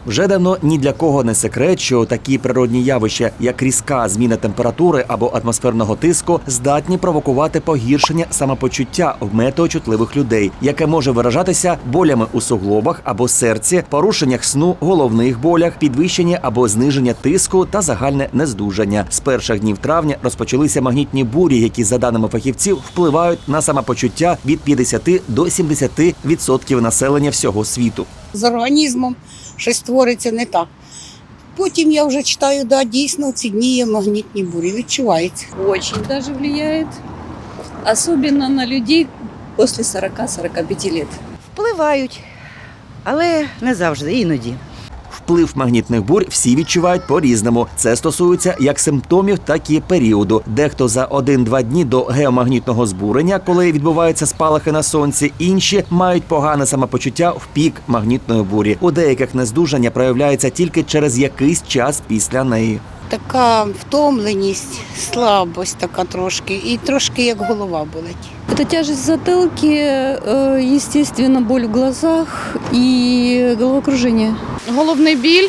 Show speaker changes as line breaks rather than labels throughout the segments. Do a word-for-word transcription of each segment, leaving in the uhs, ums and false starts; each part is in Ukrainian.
Вже давно ні для кого не секрет, що такі природні явища, як різка зміна температури або атмосферного тиску, здатні провокувати погіршення самопочуття в метеочутливих людей, яке може виражатися болями у суглобах або серці, порушеннях сну, головних болях, підвищення або зниження тиску та загальне нездужання. З перших днів травня розпочалися магнітні бурі, які, за даними фахівців, впливають на самопочуття від п'ятдесяти до сімдесяти відсотків населення всього світу.
З організмом щось твориться не так. Потім я вже читаю, да, дійсно, ці дні є магнітні бурі, відчувається.
Очень даже влияет, особенно на людей после сорока-сорока пяти лет.
Впливають, але не завжди, іноді.
Вплив магнітних бурь всі відчувають по-різному. Це стосується як симптомів, так і періоду. Дехто за один-два дні до геомагнітного збурення, коли відбуваються спалахи на сонці, інші мають погане самопочуття в пік магнітної бурі. У деяких нездужання проявляється тільки через якийсь час після неї.
Така втомленість, слабость така трошки, і трошки як голова болить.
Это тяжесть в затылке, э, естественно, боль в глазах и головокружение.
Головний біль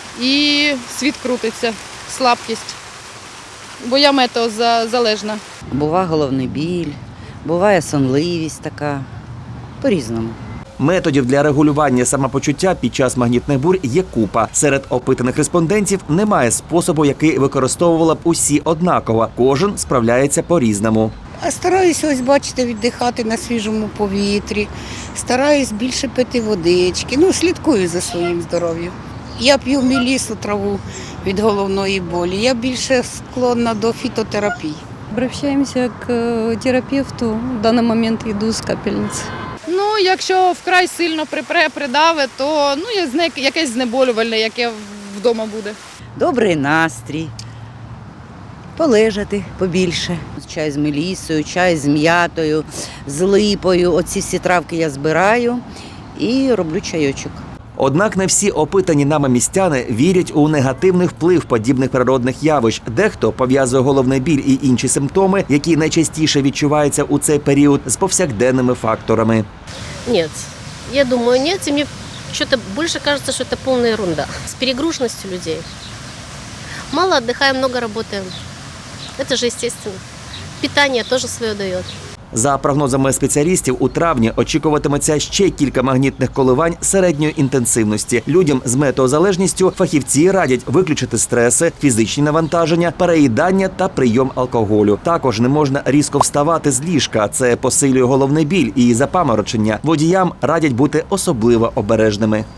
і світ крутиться, слабкість, бо я метеозалежна.
Буває головний біль, буває сонливість така, по-різному.
Методів для регулювання самопочуття під час магнітних бурь є купа. Серед опитаних респондентів немає способу, який використовувала б усі однаково. Кожен справляється по-різному.
А стараюся, ось бачите, віддихати на свіжому повітрі, стараюсь більше пити водички, ну, слідкую за своїм здоров'ям. Я п'ю мелісу траву від головної болі, я більше склонна до фітотерапії.
Обращаемся к э, терапевту. В данный момент иду с капельницы.
Ну, якщо вкрай сильно припре, придави, то ну, є зне- якесь знеболювальне, яке вдома буде.
Добрий настрій, полежати побільше. Чай з мелісою, чай з м'ятою, з липою. Оці всі травки я збираю і роблю чайочок.
Однак не всі опитані нами містяни вірять у негативний вплив подібних природних явищ. Дехто пов'язує головний біль і інші симптоми, які найчастіше відчуваються у цей період, з повсякденними факторами.
Нет, я думаю, нет, и мне что-то больше кажется, что это полная ерунда. С перегруженностью людей. Мало отдыхаем, много работаем. Это же естественно. Питание тоже свое дает.
За прогнозами спеціалістів, у травні очікуватиметься ще кілька магнітних коливань середньої інтенсивності. Людям з метеозалежністю фахівці радять виключити стреси, фізичні навантаження, переїдання та прийом алкоголю. Також не можна різко вставати з ліжка. Це посилює головний біль і запаморочення. Водіям радять бути особливо обережними.